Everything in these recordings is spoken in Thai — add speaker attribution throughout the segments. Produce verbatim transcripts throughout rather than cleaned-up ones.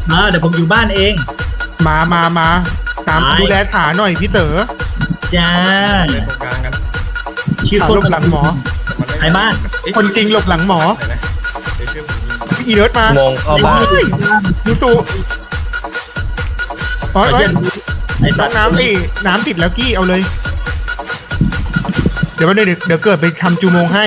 Speaker 1: เออเดี๋ยวผมอยู่บ้านเอง
Speaker 2: มามามาตามดูแลฐานหน่อยพี่เต๋อ
Speaker 1: จ้า
Speaker 3: เลยตรงกลางกัน
Speaker 1: ชื่อ
Speaker 2: ฐาน
Speaker 1: คน
Speaker 2: หลบหลังหมอ
Speaker 1: ใครบ้าน
Speaker 2: คนจริงหลบหลังหมอ
Speaker 3: ไหนนะเดี๋ยวช่วยผมยิง
Speaker 2: อีเลิร์ดมา
Speaker 4: โมงเข้าบ้าน
Speaker 2: เฮ้ยยูสูโอ้ย
Speaker 1: ไอ้
Speaker 2: โอ้ย
Speaker 1: ไอ้
Speaker 2: น้
Speaker 1: สั
Speaker 2: อ
Speaker 1: ต
Speaker 2: ง
Speaker 1: ว์
Speaker 2: น้ำดิน้ำติดแล้วกี้เอาเลย เดี๋ยววันเดี๋ยวเดี๋ยวเกิดไปทำจูโมงให้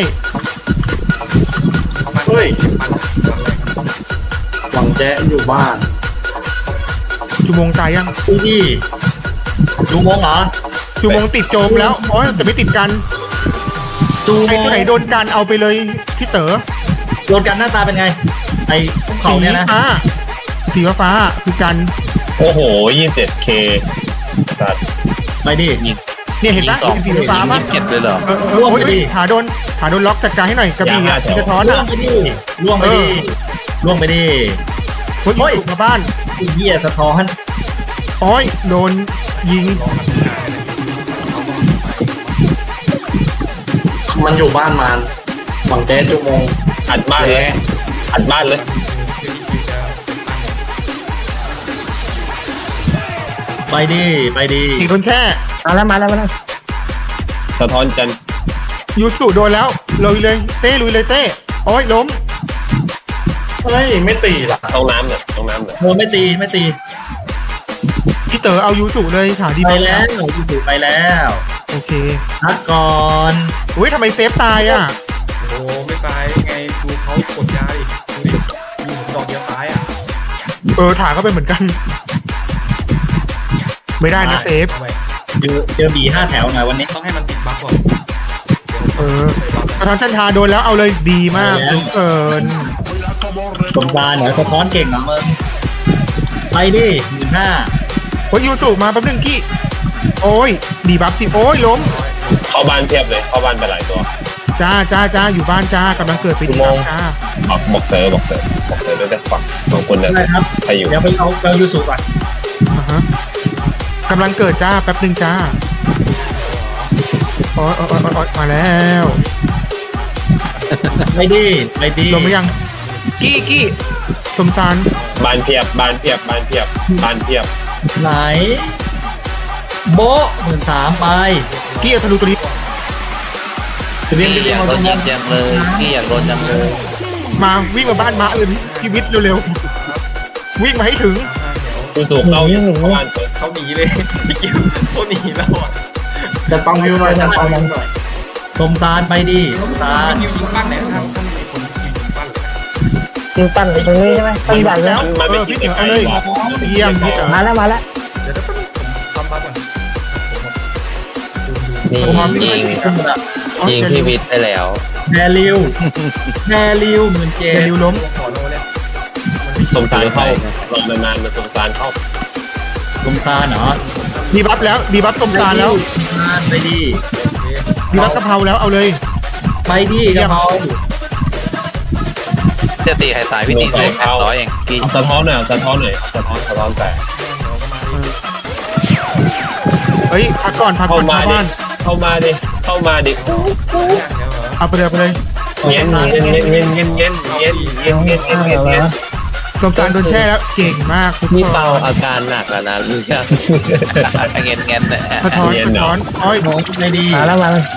Speaker 3: เขาบ้าน
Speaker 5: เฮ้ย
Speaker 3: บ้านบ้านอะไรครับ
Speaker 5: หวังแจ๊อยู่บ้าน
Speaker 2: จูโมงตายยัง
Speaker 1: ดูดิดูมงเหรอ
Speaker 2: จูโมงติดโจมแล้วโอ้ยแต่ไม่ติดกัน
Speaker 1: ดู
Speaker 2: ไอ้ตัวไหนโดนกันเอาไปเลยพี่เต๋อ
Speaker 1: โดนกันหน้าตาเป็นไง ไอ้เขา
Speaker 2: สี
Speaker 1: เนี่ยนะ
Speaker 2: ฟ้าสีฟ้าๆคือกัน
Speaker 4: โอ้โห ยี่สิบเจ็ดเค สัตว์
Speaker 1: ไปดิ
Speaker 2: เนี่ยเห็นปะ
Speaker 4: สอง
Speaker 2: สีฟ้าปะ
Speaker 4: เก็บเลยเหรอ
Speaker 2: เออเออโอ้ยเอ้ยขาโดนขาโดนล็อกจัดการให้หน่อยกระบี่
Speaker 4: อย่า
Speaker 2: อะ
Speaker 4: มาแถว
Speaker 2: สะท้อน
Speaker 1: ล่ว
Speaker 2: อะ
Speaker 1: งไปดิล่วงไปดิ
Speaker 2: เออ
Speaker 1: ล่วงไปดิ
Speaker 2: โอ้ย
Speaker 1: โอ้ย
Speaker 2: อีกมาบ้าน
Speaker 1: ไอ้เหี้ยสะท้อน
Speaker 2: โอ้ยโดนยิง
Speaker 5: มันอยู่บ้านมันหวังแจ๊จุโมง
Speaker 4: อัดบ้านเลย อัดบ้านเลย
Speaker 3: คือนี่คือจะ
Speaker 1: ไปดิไปดิ
Speaker 2: อีกโดนแช่
Speaker 6: มาแล้วมาแล้วมาแล้ว
Speaker 4: สะท้อนจัน
Speaker 2: ยูสุโดนแล้วลุยเลยเต้ลุยเลยเต้โอ้ยล้ม
Speaker 5: เฮ้ยไม่ตีล่ะ
Speaker 4: ต้องน้ำหน่อยต้องน้ำหน่อย
Speaker 1: โดนไม่ตีไม่ตี
Speaker 2: พี่เต๋อเอายูสุเลยฐานดี
Speaker 1: ไป
Speaker 2: มาก
Speaker 1: แล้วอยู่ไปแล้ว
Speaker 2: โอเค
Speaker 1: พักก่อน
Speaker 2: อุ้ยทำไมเซฟตายอ่ะ
Speaker 3: โอ้ไม่ตายไงดูเขากดยาดิดูดิยิงดอกเดียวตายอ่ะ
Speaker 2: เออฐานก็เป็นเหมือนกัน ไม่ได้นะเซฟ
Speaker 3: ทำไม
Speaker 1: เจอเจอบีห้าแถวหน่อยวันนี้
Speaker 3: ต้องให้มันติดบัฟก่อน
Speaker 2: เออ
Speaker 3: ใส่บัฟ
Speaker 2: สะท้อนชันทาโดนแล้วเอาเลยดีมากเหลือเกิน
Speaker 1: สมซารเหรอสะท้อนเก่งเหรอมึงไปดิหมื่นห้า
Speaker 2: โอ้ยยูสุมาแป๊บนึงกี้โอ้ยดีบัฟสิโอ้ยล้ม
Speaker 4: เข้าบ้านเพียบเลย เข้าบ้านไปหลายตัว
Speaker 2: จ้าจ้าจ้าอยู่บ้านจ้ากำลังเกิดไปดีบัฟจ้า
Speaker 4: บอกบอกเซอร์บอกเซอร์บอกเซอร์ด้วยแต่ฝั่งสองคนเนี่ย
Speaker 1: ได้ครับ
Speaker 4: ใครอยู่
Speaker 1: เดี๋ยวไปเอาเอายูสุก่อน
Speaker 2: อ่าฮะกำลังเกิดจ้าแป๊บนึงจ้าโอ้ยโอ้ยโอ้ยโอ้ยมาแล้ว
Speaker 1: ไปดิไปดิ
Speaker 2: ลงไปยังกี้กี้สมสาร
Speaker 4: บ้านเพียบ บ้านเพียบ บ้านเพียบ บ้านเพียบ
Speaker 1: ไหนโบ๊ะหมื่นสามไป
Speaker 2: กี้เอาธนูตัวนี้
Speaker 1: จะเรียน
Speaker 7: พี่
Speaker 1: เรี
Speaker 7: อยยาก
Speaker 1: น
Speaker 7: โดนยิงจังเลยพี่อยากโดนจังเลย
Speaker 2: มาวิ่งมาบ้านมาเลยพี่วิทย์เร็วๆวิ่งมาให้ถึง
Speaker 4: คุณสู่เข้าเข้าบ้านเปิด
Speaker 3: เขาหนีเลยพี่กิวเขาหนีแล้วอ่ะ
Speaker 5: จะปังวิวหน่อยจะปังวิวหน่อย
Speaker 1: สมซารไปดิสมซาร
Speaker 3: ยิงยิงปั้นไหนนะครับต้องมีคนยิงยิงปั้นเลย
Speaker 6: ยิงปั้นไปตรงนี้ใช่ไหมปั้นใหญ่แล้ว
Speaker 4: มันมันไม่คิดจะใครหรอก
Speaker 2: เยี่ยมพี่เต๋อ
Speaker 6: มาแล้วมาแล้ว
Speaker 3: เดี๋ยวเดี๋ยวผมทำบัฟก่อน
Speaker 7: นี่ยิงยิงพี่วิทย์ไปแล้ว
Speaker 1: แดริวแดริวหมื่นเจ็
Speaker 2: เจ
Speaker 1: ด
Speaker 2: ริวล้ม
Speaker 3: ขอโน้เนี่ย
Speaker 4: สงสารเข้ารอนานๆมันสงสารเข้า
Speaker 1: สมซารเหรอ
Speaker 2: ดีบัฟแล้วดีบัฟสมสารแล้ว
Speaker 1: สมซารไปดิ
Speaker 2: ดีบัฟกะเพราแล้วเอาเลย
Speaker 1: ไปดิกระเพรา
Speaker 7: จะตีใครตายพี่ตีได้แปดร้อยเองกี่
Speaker 4: เอาสะท้อนหน่อยเอาสะท้อนหน่อยเอาสะท้อนสะท้อนแต่
Speaker 2: เฮ้ยพักก่อนพักก่
Speaker 4: เข้า
Speaker 2: อน
Speaker 4: มา
Speaker 2: ชาว
Speaker 4: ดิ
Speaker 2: บ้าน
Speaker 4: เข้ามาดิ เข้ามาดิ
Speaker 2: เอาไปเลยไปเลย
Speaker 4: เงี้ยเงี้ยเงี้ยเงี้ยเงี้ยเงี้ยเงี้ยเงี้ยเงี้ยเงี้ยเงี้ยเงี้ย
Speaker 2: สมสารโดนแช่แล้วเก่งมากทุก
Speaker 7: นี่
Speaker 2: คน
Speaker 7: เบาอาการหนักแล้วนะรู้ยังเงี้ยเงี้ยเนี่ย
Speaker 2: สะท้อนสะท้อนโอ้ย
Speaker 1: โน้ตไปดิ
Speaker 6: มาแล้วมาแล้ว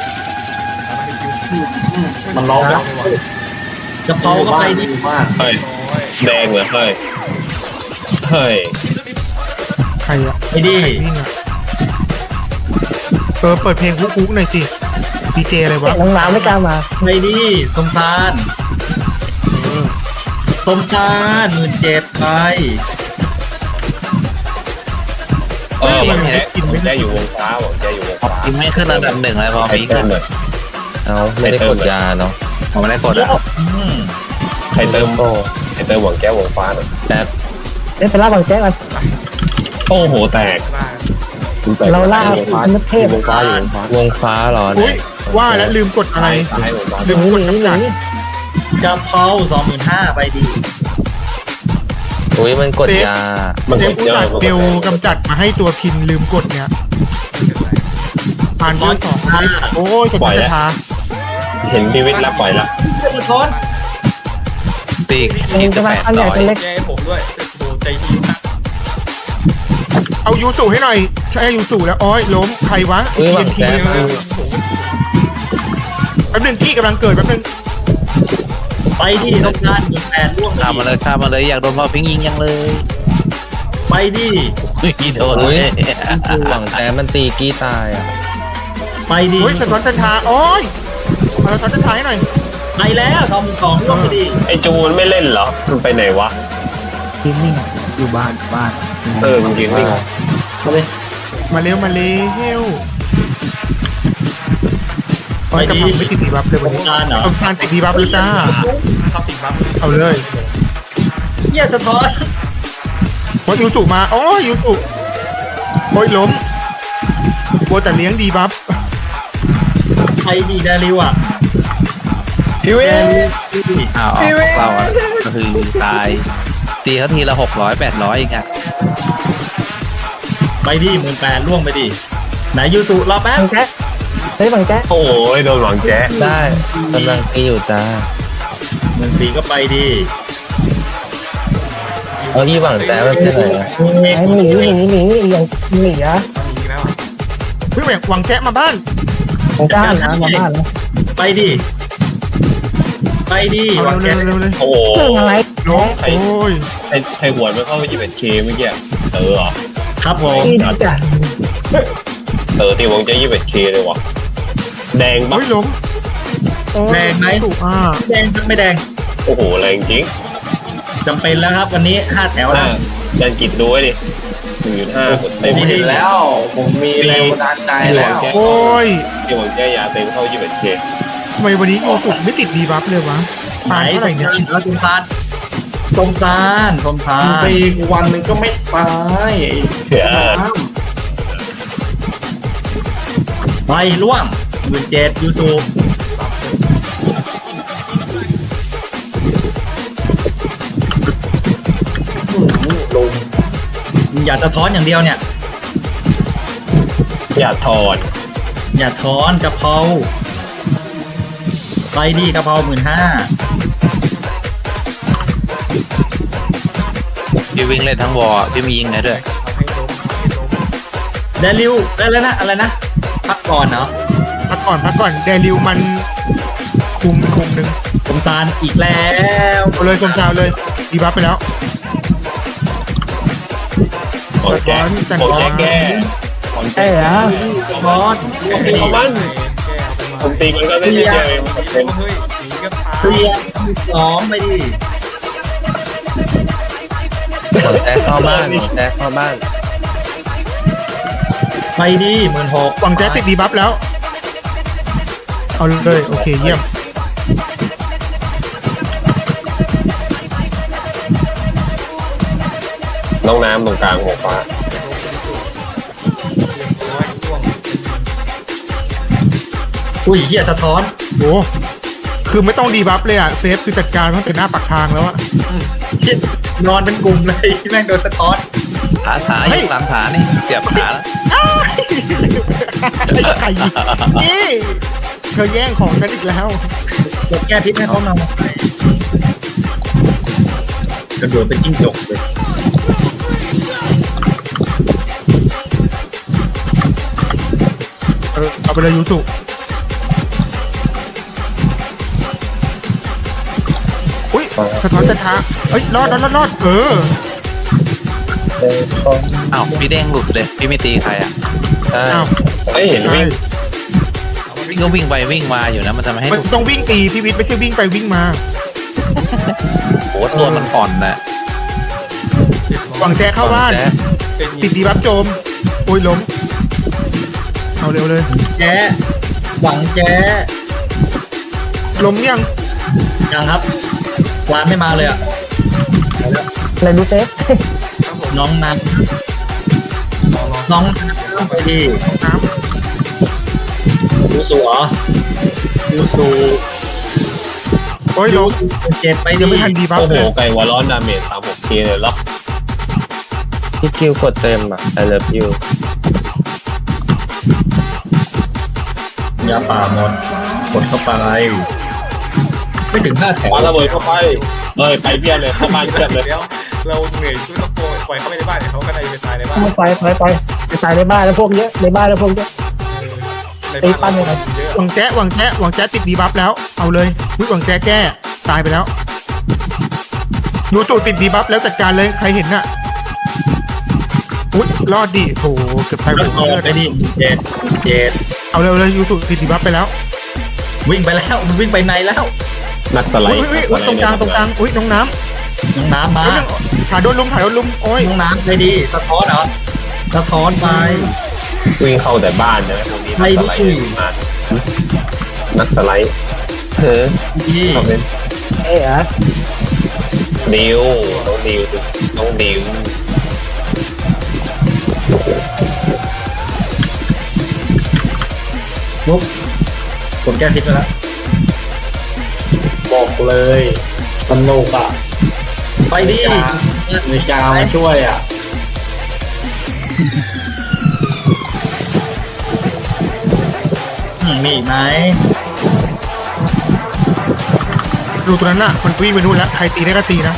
Speaker 5: มันร้องแล้ว
Speaker 1: กระเพราก็ไปดิ
Speaker 5: อยู่บ้าน
Speaker 4: เฮ้ยแดงเหรอเฮ้ยเฮ้ย
Speaker 2: ใครอะ
Speaker 1: ไปดิ
Speaker 2: ใครวิ่งอะเออเปิดเพลงคุกๆหน่อยสิดีเจอะไรวะ
Speaker 6: น้องน้ำไม่กล้ามา
Speaker 1: ไปดิสมซารสมซารหมื่นเจ็ดไป
Speaker 4: เออผมแค่ผมแค่อยู่วงฟ้าผมแค่อยู่วงฟ้า
Speaker 7: ยิงไม่ขึ้นอันดับหนึ่งเลยพอ
Speaker 4: ใคร
Speaker 7: พี
Speaker 4: เติมหน่อย
Speaker 7: เอาไม่ได้กดยาเนาะผมไม่ได้กดอ่ะ
Speaker 1: อืม
Speaker 4: ใครเติมใครเติมหวังแก้ววงฟ้าหน่อย
Speaker 7: แต่
Speaker 6: เดี๋ยวไปล่าบางแจ๊กกัน
Speaker 4: โอ้โหแตก
Speaker 6: เราล่าอันเทพ
Speaker 4: วงฟ้าอยู่วงฟ้าว
Speaker 7: งฟ้าเหรอ
Speaker 2: อุ้
Speaker 7: เนี่ย ย
Speaker 2: ว่าแล้วลืมกดอะไร
Speaker 4: ซ้ายวงฟ้า
Speaker 2: ลืมกด
Speaker 6: หนีหนี
Speaker 2: กำจัด
Speaker 1: กระเพราสองหมื่นห้าไปดิ
Speaker 7: อุ้ยมันกดยา
Speaker 4: มัน
Speaker 2: เซ
Speaker 4: ก
Speaker 2: ฟ
Speaker 4: ด
Speaker 2: ผู้
Speaker 4: เยอะ
Speaker 2: จัด
Speaker 4: มัน
Speaker 2: เบล
Speaker 4: กด
Speaker 2: กำจัดมาให้ตัวพินลืมกดเนี่ยผ่านเบอร์สองโอ้ยสตาร์ทา
Speaker 4: เห็นพีวิทย์แล้วปล่อยแล้ว
Speaker 1: สะท้อน
Speaker 7: ตี
Speaker 6: เอ
Speaker 7: คิ
Speaker 6: ง
Speaker 7: ด
Speaker 6: จะ
Speaker 7: จะ
Speaker 6: มา
Speaker 7: แปด
Speaker 6: อันใหญ่
Speaker 7: ร้อย
Speaker 6: เป็นเล็ก
Speaker 3: แกให้ผมด้วยโดนใจอะไรทีนะ
Speaker 2: เอายูสุให้หน่อยใช่ยูสุแล้วโอ้ยล้มใครวะ
Speaker 4: เฮ้ยหวัง
Speaker 2: ที
Speaker 4: แจ๊
Speaker 3: เออผม
Speaker 2: แป๊บนึงพี่กำลังเกิดแป๊บนึง
Speaker 1: ไปดิต้องการหนึ่งแปดร่วง
Speaker 7: ข้ามมาเลยข้ามมาเลยอยากโดนพอพิงยิงยังเลย
Speaker 1: ไปดิ
Speaker 7: ไม่โดนเลย
Speaker 4: หวังแจ๊มันตีกี้ตายอ่ะ
Speaker 1: ไปดิ
Speaker 2: โอ้ยสะท้อนจันทราโอ้ยเอาสะท้อนจันทราให้หน่อย
Speaker 1: ไปแล้วทำของร่วงไปดิ
Speaker 4: ไอจูนไม่เล่นเหรอมันไปไหนวะ
Speaker 6: ทีมนี่อยู่บ้านบ้าน
Speaker 4: เออมันยืนนิ่ง
Speaker 5: มาเลย
Speaker 2: มาเร็วมาเร็วโอ้ยกำลังไม่ติดดีบัฟเลย
Speaker 1: ส
Speaker 2: วัน
Speaker 1: ง
Speaker 2: นี้
Speaker 1: กรารเหรอ
Speaker 2: ต้องการติดดีบัฟเลยจ้า
Speaker 3: ชอบติดบัฟ
Speaker 2: เอาเลย
Speaker 1: เหี้ยสะท้อน
Speaker 2: โอ้ยยูสุมาโอ้ยยูสุโอ้ยล้มโบแต่เลี้ยงดีบัฟ
Speaker 1: ไปดิแดริวอ่ะ
Speaker 4: พี่เว้
Speaker 1: แด
Speaker 4: ย
Speaker 1: ริวดิ
Speaker 7: อ้าวออกเปล่าอ่ะก็คือตายตีเขาทีละหกร้อยแปดร้อยเองอ่ะ
Speaker 1: ไปดิหมื่นแปดร่วงไปดิไหนยูสุรอแป๊บ
Speaker 6: บังแจ๊กเฮ้ยบังแจ๊ก
Speaker 4: โอ้ยโดนหวังแจ๊ได้กำลังตีอยู่จ้า
Speaker 1: หมื่นสี่ก็ไปดิ
Speaker 4: เอาที่หวังแจ๊มันเป็นไหน
Speaker 6: ไอ้หนีหนีหนีอย่างหนีอะ
Speaker 3: มีแล้ว
Speaker 2: เพิ่งแหวกหวังแจ๊ะมาบ้าน
Speaker 6: ของก้านนะมาบ้านนะ
Speaker 1: ไปดิไปดิ
Speaker 2: เอา
Speaker 1: วางแก
Speaker 2: เร็วเร็วเร็ว
Speaker 4: โอ้โห
Speaker 6: เครื่องอะไร
Speaker 2: ล้มโอ้ย
Speaker 4: ไอไอหัวไม่เข้าไปยี่สิบเอ็ดเคเมื่อกี้เออเหรอ
Speaker 1: ครับผม
Speaker 6: ที่จ้ะ
Speaker 4: เออตีวงจะยี่สิบเอ็ดเคเลยวะแดงปะ
Speaker 2: โอ้ยล้มโอ้ย
Speaker 1: แดงไหม
Speaker 2: ถูกอ่า
Speaker 1: แดงไม่แดง
Speaker 4: โอ้โหแรงจริง
Speaker 1: จำเป็นแล้วครับวันนี้ห้าแถว
Speaker 4: ห้า
Speaker 1: แล้ว
Speaker 4: แดนกิดดูไว้ดิหนึ่งจุดห้ากดเต็ม
Speaker 5: ผมเห็นแล้ว ผมมีแรงบันดาลใจแล้ว
Speaker 2: โอ้ย
Speaker 4: ตีวงแจ๊ยาเต็มเข้ายี่สิบเอ็ดเค
Speaker 2: ทำไมวันนี้ยูสุไม่ติดดีบัฟเลยวะ
Speaker 1: ไหน
Speaker 2: ปานเท่าไหร่เนี่ย
Speaker 1: แล้วสมซานสมซานสมซาน
Speaker 5: ตีกูวันหนึ่งก็ไม่ตาย
Speaker 4: เชื่อ
Speaker 1: ไปร่วงหมื่นเจ็ดยูสุอย่าสะท้อนอย่างเดียวเนี่ย
Speaker 4: อย่าถอน
Speaker 1: อย่าถอนกะเพราไปดิกะเพราหมื่นห้า
Speaker 7: พี่วิ่งเล่นทั้งวอลพี่มียิงไงด้วย
Speaker 3: ให้ล้มให้ล้ม
Speaker 1: แดริวได้แล้วนะอะไรนะพักก่อนเนาะ
Speaker 2: พักก่อนพักก่อนแดริวมันคุมคุมหนึ่ง
Speaker 1: สมซานอีกแล้ว
Speaker 2: เอาเลยสมชาวเลยดีบัฟไปแล้ว
Speaker 4: โอ้แจ๊โอ้แจ๊แก้ของ
Speaker 6: ใช่
Speaker 4: แจ๊
Speaker 6: เหรอ
Speaker 1: สะท้อน
Speaker 4: เอามัน
Speaker 3: แก้เอาไปมา
Speaker 4: ผมตีมันก็ได้แค่เดียวเองมันเป็น
Speaker 3: เฮ้ยหนีก็ตาย
Speaker 1: เคลียร์สองไปดิ
Speaker 4: ของแจ๊เข้าบ้านของแจ๊เข้าบ้าน
Speaker 1: ไปดิหมื่นหก
Speaker 2: หวังแจ๊ติดดีบัฟแล้ว เอาเลยโอเคเยี่ยม
Speaker 4: น้องน้ำตรงกลางหัวฟ้า
Speaker 3: ร้อยร่วง
Speaker 1: อุ้ยเหี้ยสะท้อน
Speaker 2: โอ้คือไม่ต้องดีบัฟเลยอ่ะเซฟคือจัดการตั้งแต่หน้าปากทางแล้วอะ
Speaker 1: เหี้ยนอนเป็นกลุ่มเลยแม่งโดนสะท้อน
Speaker 7: ขาขาอยู่หลังขานี่เสียบขาแล้ว
Speaker 2: ใครยิงนี่เธอแย่งของกันอีกแล้ว
Speaker 1: กดแก้พิษให้เขาหน่อยกระโดดเป็นจิ้งจกเลย
Speaker 2: เออเอาไปเลยยูสุอุ้ยสะท้อนจะท้าเอ้ยรอดรอดรอดรอดเออ
Speaker 7: อ้าวพี่เด้งหลุดเลยพี่ไม่ตีใครอ่ะ
Speaker 4: ใช่
Speaker 2: อ้าว
Speaker 4: ไม่เห็นวิ่ง
Speaker 7: วิ่งก็วิ่งไปวิ่งมาอยู่นะมันจะไม่ให้
Speaker 2: มัน
Speaker 7: หลุด
Speaker 2: ต้องวิ่งตีพี่วิทย์ไม่ใช่วิ่งไปวิ่งมา
Speaker 7: โอ้ตัวมันอ่อนนะ
Speaker 2: หวังแจ๊เข้าบ้าน
Speaker 7: แจ๊ะ
Speaker 3: เป็น
Speaker 2: ติดดีบัฟโจมโอ้ยล้มเอาเร็วเลย
Speaker 1: แจ๊หวังแจ๊
Speaker 2: ล้มยัง
Speaker 1: ยังครับวานไม่มาเลยอ่ะ
Speaker 6: อะไรดูเซฟ
Speaker 1: น้องนันน้องนันไปดิ
Speaker 2: น้
Speaker 1: ยูสูเหรอยูสู
Speaker 2: ำโอ้ย
Speaker 1: ยู
Speaker 2: ล้ม
Speaker 1: สูเจ็ดไปดิ
Speaker 2: ยังไม่ทันดีบัฟ
Speaker 4: โอ้โห
Speaker 2: เลย
Speaker 4: ไก่วอลลอนดาเมจสามหกเคเลยเหรอพี่คิวกดเต็มอ่ะ I love you
Speaker 1: ยาป่าหมดกดเข้าไปไม่ถึงห้าแถว
Speaker 4: วางระเบิดเข้าไปเอ้ยไปเพียบเลยเข้าบ้านเพียบเลย
Speaker 3: เดี๋ยวเราเหนื่อยช่วยต้องโกยปล่อยเขาไปในบ้านเดี๋ยวเขาก็ได้ไปตายในบ้าน
Speaker 6: ไปไปไปไปตายในบ้านแล้วพวกเยอะในบ้านแล้วพวกเยอะ
Speaker 3: ใน
Speaker 6: ตี
Speaker 3: บ้าน
Speaker 6: ปั้น
Speaker 3: เรา
Speaker 6: ยังไง
Speaker 3: เยอะ
Speaker 2: หวังแจ๊ะหวังแจ๊ะหวังแจ๊ะติดดีบัฟแล้วเอาเลยอุ๊ยหวังแจ๊ะแก้ตายไปแล้วยูสุติดดีบัฟแล้วจัดการเลยใครเห็นน่ะอุ๊ยรอดดิโถเกือบตายหม
Speaker 1: แล้ว
Speaker 2: ด
Speaker 1: ต่อ
Speaker 2: เลือด
Speaker 1: ไปดิเจ็ดเจ็ด
Speaker 2: เอาเร็วเลยยูสุติดดีบัฟไปแล้ว
Speaker 1: วิ่งไปแล้วมันวิ่งไปในแล้ว
Speaker 4: นักสไล
Speaker 2: อุ้ย
Speaker 4: ด์
Speaker 2: อุ้ยอุ้ยตรงกลางตรงกลางอุ้ยน้องน้
Speaker 1: น้องน้ำ
Speaker 2: ำ
Speaker 1: มา
Speaker 2: เอ้ยขาโดนลุมขาโดนลุมโอ้ย
Speaker 1: น้องน้ำไปดีสะท้อนเหรอสะท้อนไป
Speaker 4: วิ่งเข้าแต่บ้านใช่ไหมพวกนี้นักสไลด์มานักสไลด์เฮ้ย
Speaker 1: ดี
Speaker 4: เขาเป็น
Speaker 6: เอ๊ะ
Speaker 4: ดิวน้องดิวน้องดิว
Speaker 1: ปุ๊บผมแก้ทิศไปแล้ว
Speaker 5: บอกเลยสนุกอ่ะ
Speaker 1: ไปดิ
Speaker 5: มีกาวมาช่วยอ่ะ
Speaker 1: อืมมีอีกไหม
Speaker 2: ดูตัวนั้นน่ะมันวิ่งไปนู่นแล้วใครตีได้ก็ตีนะ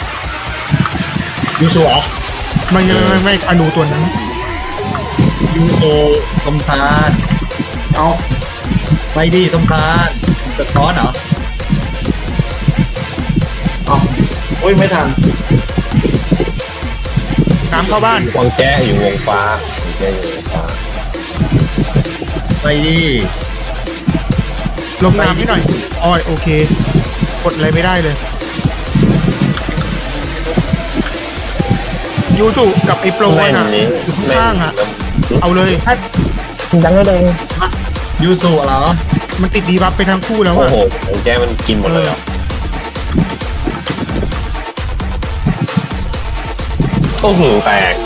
Speaker 1: ยูโซเหรอ
Speaker 2: ไม่ไม่ไม่ไม่อนูตัวนั้น
Speaker 1: ยูโซสมทาน
Speaker 5: เอา
Speaker 1: ไปดิสมทานสะท้อนเหรอ
Speaker 5: เอาโอ้ยไม่ทัน
Speaker 2: น้ำเข้าบ้าน
Speaker 4: วางแจ้อยู่วงฟ้าวงแจ้อยู่วงฟ้า
Speaker 1: ไปดิ
Speaker 2: ลงน้ำให้หน่อยอ้อยโอเคกดอะไรไม่ได้เลยยูสุกับไอ้โปร
Speaker 4: แม่น
Speaker 2: น่ะ
Speaker 4: นี้
Speaker 2: อยู่
Speaker 4: แม่
Speaker 2: ข้าง
Speaker 4: น
Speaker 2: ๆอ่ะเอาเลย
Speaker 6: ยังไม่แดง
Speaker 1: ยูโซเหรอ
Speaker 2: มันติดดีบัฟไปทั้งคู่แล้ว
Speaker 4: โอ้
Speaker 2: อ่ะ
Speaker 4: โหวงแจ้มันกินหมดเลยเหรอโอ้โหแตก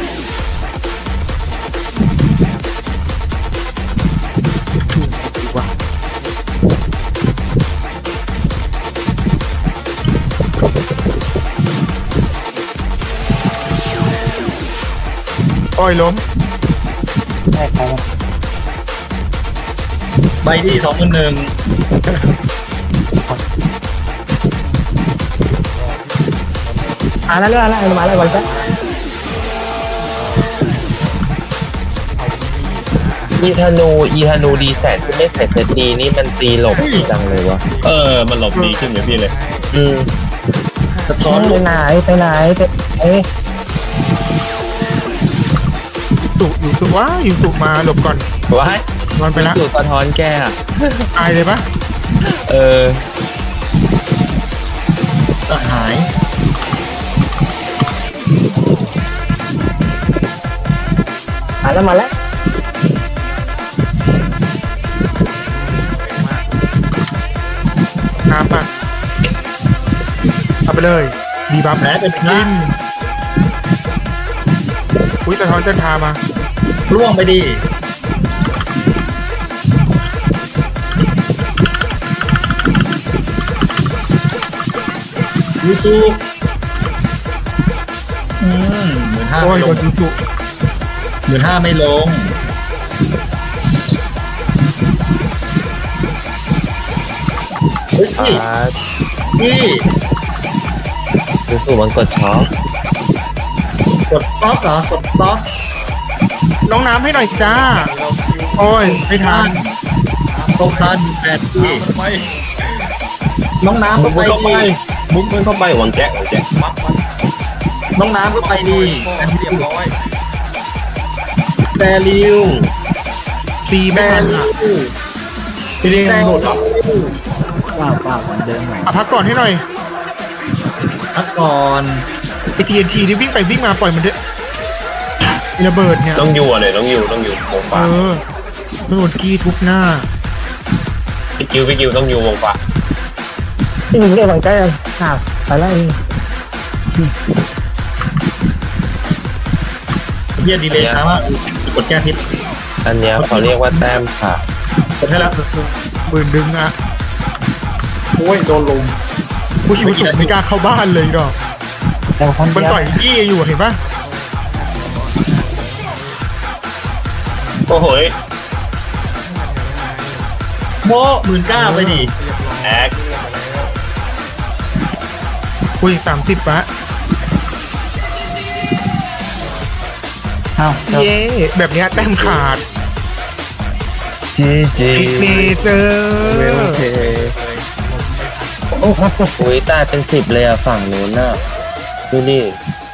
Speaker 2: อ้อยล้ม
Speaker 6: แค่ใคร
Speaker 1: ไปดิสองพันหนึ่ง
Speaker 6: มาแล้วเรื่องอะไรมาแล้ววันแรก
Speaker 7: อีธนูอีธนูดีแสนที่ไม่ใส่เซตดีนี่มันตีหลบจังเลยวะ
Speaker 4: เออมันหลบดีขึ้นเลยพี่เลย
Speaker 7: อืม
Speaker 1: สะท้อน
Speaker 6: ไป
Speaker 1: ลูก
Speaker 6: ไหนไปไหนไปเอ๊ะ
Speaker 2: สุยูสุว้ายูสุมาหลบก่อน
Speaker 7: ว้าย
Speaker 2: นอนไปละ
Speaker 7: สูตรสะท้อนแกอะ
Speaker 2: ตายเลยปะ
Speaker 7: เออ
Speaker 1: ก็หาย
Speaker 6: มาแล้วมาแล้ว
Speaker 2: น้ำอ่ะเอาไปเลยดีบัฟ
Speaker 1: แผลเป็น
Speaker 2: กิ
Speaker 1: น้
Speaker 2: นอุ้ยสะท้อนจันทามา
Speaker 1: ำร่วงไปดิยูโซอืมหมื่นห้า
Speaker 2: โอ้ย
Speaker 1: ไม่ล
Speaker 2: โด
Speaker 1: ง
Speaker 2: นยูสุ
Speaker 1: หมื่นห้าไม่ลงเฮ้ย
Speaker 7: อ่า
Speaker 1: พี่
Speaker 7: ดูสูมันกดช็อค
Speaker 1: กดสต็อปเหรอกดสต็อป
Speaker 2: น้องน้ำให้หน่อยจ้า โอ้ยไม่ทัน
Speaker 1: ตรงทันแปดพี่
Speaker 3: ไป
Speaker 1: น้องน้ำ
Speaker 4: มุ
Speaker 1: ก็
Speaker 4: ก
Speaker 1: ไป
Speaker 4: เข้าไป
Speaker 1: ดี
Speaker 4: มุกเข้าไปวางแจ้วางแจ้
Speaker 3: มัดมัน
Speaker 1: น้องน้ำก็ไปดี
Speaker 3: เรียบร้อย
Speaker 1: แต่ริว
Speaker 2: ตีไม่
Speaker 1: แต่
Speaker 2: ทัน
Speaker 1: ริ
Speaker 2: อ่ะ
Speaker 1: ว
Speaker 5: พี่เรียกหลุดเหรอ
Speaker 1: เปล่าเปล่าเหมือนเดิมหน่อย
Speaker 2: อ่ะพักก่อนให้หน่อย
Speaker 1: พักก่อน
Speaker 2: ไอทีเอ็นทีที่วิ่งไปวิ่งมาปล่อยมันเถอะระเบิดเนี่ย
Speaker 4: ต้องอยู่เลยต้องอยู่ต้องอยู่วง
Speaker 2: เอ
Speaker 4: ฟ้า
Speaker 2: อโดนกี้ทุบหน้า
Speaker 4: พี่กิวพี่กิวต้องอยู่วงฟ้า
Speaker 6: ที่มึงเรียกวันแรกอ้าวไปแล้ว
Speaker 1: เยียดีเลยนะว่ากดแก้พิษ
Speaker 7: อันเนี้ยเขาเรียกว่าแต้มค่ะ
Speaker 1: กดให้แล้ว
Speaker 2: ปืนดึงอ่ะ
Speaker 5: โอ้ยโดนลุม
Speaker 2: ผู้ชิวสุไม่กล้าเข้าบ้านเลยดอก
Speaker 6: แต่คน
Speaker 2: มัน
Speaker 6: เดียว
Speaker 2: ต่อยยี่อยู่เห็นปะ
Speaker 4: โอ้โห
Speaker 1: โมหมื่นเก้าไปดิ
Speaker 4: แอก
Speaker 2: อุ้ยสามสิบปะ
Speaker 1: เอ้า
Speaker 2: เย้แบบเนี้ยแต้มขาด
Speaker 7: เจเจ
Speaker 2: อีกเนเจอ
Speaker 7: โอเคอุ้ยตายเป็นสิบเลยอะฝั่งนู้นน่ะดูดิ